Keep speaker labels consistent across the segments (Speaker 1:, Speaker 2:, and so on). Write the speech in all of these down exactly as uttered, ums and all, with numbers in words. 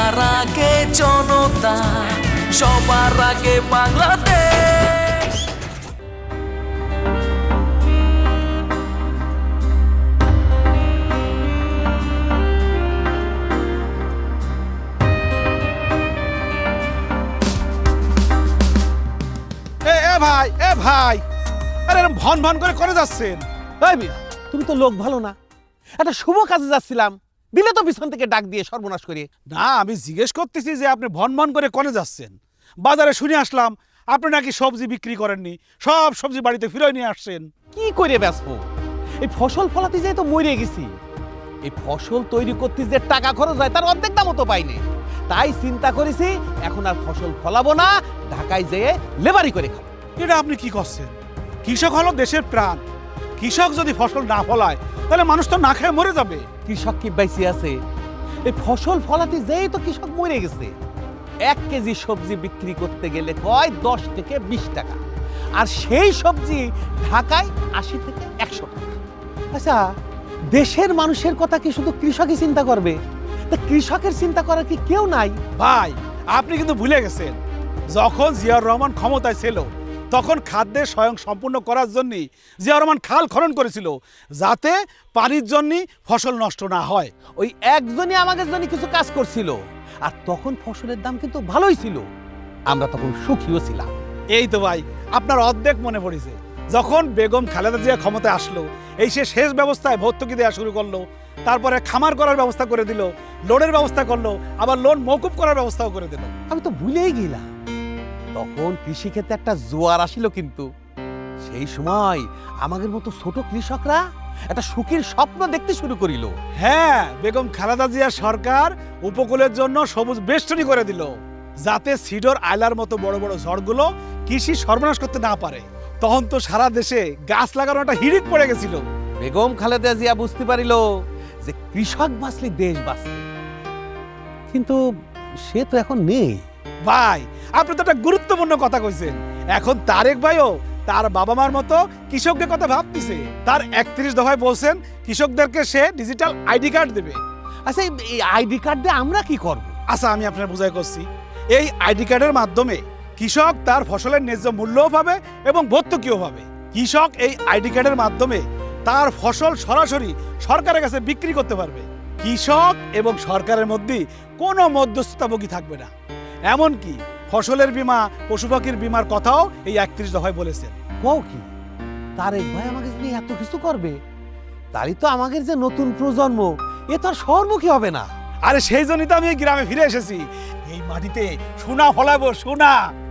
Speaker 1: সবার আগে জনতা, সবার আগে বাংলাদেশ।
Speaker 2: এ এ ভাই এ ভাই আরে এরকম ভন ভন করে করে যাচ্ছেন?
Speaker 3: এই মিয়া, তুমি তো লোক ভালো না। একটা শুভ কাজে যাচ্ছিলাম, দিলে তো পিছন থেকে ডাক দিয়ে সর্বনাশ করে।
Speaker 2: না, আমি জিজ্ঞেস করতেছি যে আপনি ভন ভন করে করে যাচ্ছেন। বাজারে শুনে আসলাম আপনি নাকি সবজি বিক্রি করেননি, সব সবজি বাড়িতে ফিরে নিয়ে আসছেন।
Speaker 3: কি করে বেচবো? এই ফসল ফলাতে যাই তো মরে গেছি। এই ফসল তৈরি করতে যে টাকা খরচ হয় তার অর্ধেক দামও তো পাইনি। তাই চিন্তা করেছি এখন আর ফসল ফলাবো না, ঢাকায় যেয়ে লেবারি করে খাবো।
Speaker 2: এটা আপনি কি করছেন? কৃষক হলো দেশের প্রাণ। কৃষক যদি ফসল না ফলায় তাহলে মানুষ তো না খেয়ে মরে যাবে।
Speaker 3: কৃষক কি বেঁচে আছে? এই ফসল ফলাতে যেই তো কৃষক মরে গেছে। এক কেজি সবজি বিক্রি করতে গেলে কয় দশ থেকে বিশ টাকা, আর সেই সবজি ঢাকায় আশি থেকে একশো টাকা। আচ্ছা, দেশের মানুষের কথা কি শুধু কৃষকই চিন্তা করবে? তা কৃষকের চিন্তা করার কি কেউ নাই?
Speaker 2: ভাই, আপনি কিন্তু ভুলে গেছেন, যখন জিয়াউর রহমান ক্ষমতায় ছিল তখন খাদ্যের স্বয়ং সম্পূর্ণ করার জন্য জিয়াউর রহমান খাল খনন করেছিল, যাতে পানির জন্য ফসল নষ্ট না হয়।
Speaker 3: ওই একজনই আমাদের জন্য কিছু কাজ করছিল, আর তখন ফসলের দাম কিন্তু ভালোই ছিল, আমরা তখন সুখীও ছিলাম।
Speaker 2: এই তো ভাই, আপনার অর্ধেক মনে পড়েছে। যখন বেগম খালেদা জিয়া ক্ষমতায় আসলো, এই সে শেষ ব্যবস্থায় ভর্তুকি দেওয়া শুরু করলো, তারপরে খামার করার ব্যবস্থা করে দিল, লোনের ব্যবস্থা করলো, আবার লোন মওকুফ করার ব্যবস্থাও করে দিল।
Speaker 3: আমি তো ভুলেই গেলাম, তখন কৃষিক্ষেত্রে একটা জোয়ার আসিল। কিন্তু সেই সময় আমাদের মতো ছোট কৃষকরা একটা সুখের স্বপ্ন দেখতে শুরু করিল।
Speaker 2: হ্যাঁ, বেগম খালেদা জিয়া সরকার উপকূলের জন্য সবুজ বেষ্টনী করে দিল, যাতে সিডর আইলার মতো বড় বড় ঝড়গুলো কৃষি সর্বনাশ করতে না পারে। তখন তো সারা দেশে গাছ লাগানো একটা হিড়িক পড়ে গেছিল।
Speaker 3: বেগম খালেদা জিয়া বুঝতে পারিল যে কৃষক বাঁচলে দেশ বাঁচবে, কিন্তু সে তো এখন নেই।
Speaker 2: ভাই, আপনি তো একটা গুরুত্বপূর্ণ কথা কইছেন। এখন তারেক ভাইও তার বাবা মার মতো কৃষকদের কথা ভাবতেছে। তার একত্রিশ দফায় বলছেন কৃষকদেরকে সে ডিজিটাল আইডি কার্ড দেবে।
Speaker 3: আচ্ছা, এই আইডি কার্ড দিয়ে আমরা কি করব?
Speaker 2: আচ্ছা, আমি আপনার বুঝাই করছি। এই আইডি কার্ডের মাধ্যমে কৃষক তার ফসলের ন্যায্য মূল্যও পাবে এবং ভর্তুকিও পাবে। কৃষক এই আইডি কার্ডের মাধ্যমে তার ফসল সরাসরি সরকারের কাছে বিক্রি করতে পারবে। কৃষক এবং সরকারের মধ্যে কোনো মধ্যস্থতাভোগী থাকবে না। এমনকি ফসলের বীমা, পশু পাখির বীমার কথাও এই একত্রিশ দফায় বলেছেন।
Speaker 3: কও কি তারেক ভাই আমাকে নিয়ে এত কিছু করবে? তারই তো আমাদের যে নতুন প্রজন্ম, এ তো আর শহরমুখী হবে না।
Speaker 2: আরে সেই জন্যই তো আমি এই গ্রামে ফিরে এসেছি। এই মাটিতে সোনা ফলাবো, সোনা।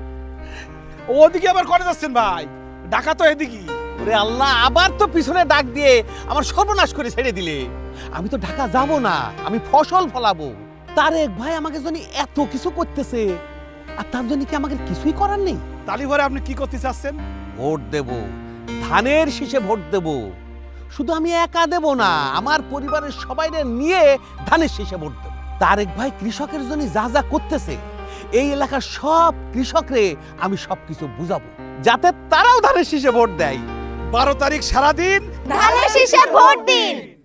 Speaker 2: ওদিকে আবার করে যাচ্ছেন ভাই? ঢাকা তো এদিকে।
Speaker 3: ওরে আল্লাহ, আবার তো পিছনে ডাক দিয়ে আমার সর্বনাশ করে ছেড়ে দিলে। আমি তো ঢাকা যাব না, আমি ফসল ফলাবো। তারেক ভাই আমাকে জন্য এত কিছু করতেছে, আর তার জন্য কি আমাকে কিছুই করার নেই?
Speaker 2: তালি ভরে আপনি কি করতে চাচ্ছেন?
Speaker 3: ভোট দেব, ধানের শীষে ভোট দেব। শুধু আমি একা দেব না, আমার পরিবারের সবাইরে নিয়ে ধানের শীষে ভোট দেব। তারেক ভাই কৃষকের জন্য যা যা করতেছে, এই এলাকার সব কৃষকরে আমি সবকিছু বুঝাবো, যাতে তারাও ধানের শীষে ভোট দেয়।
Speaker 2: বারো তারিখ সারাদিন
Speaker 4: ধানের শীষে ভোট দিন।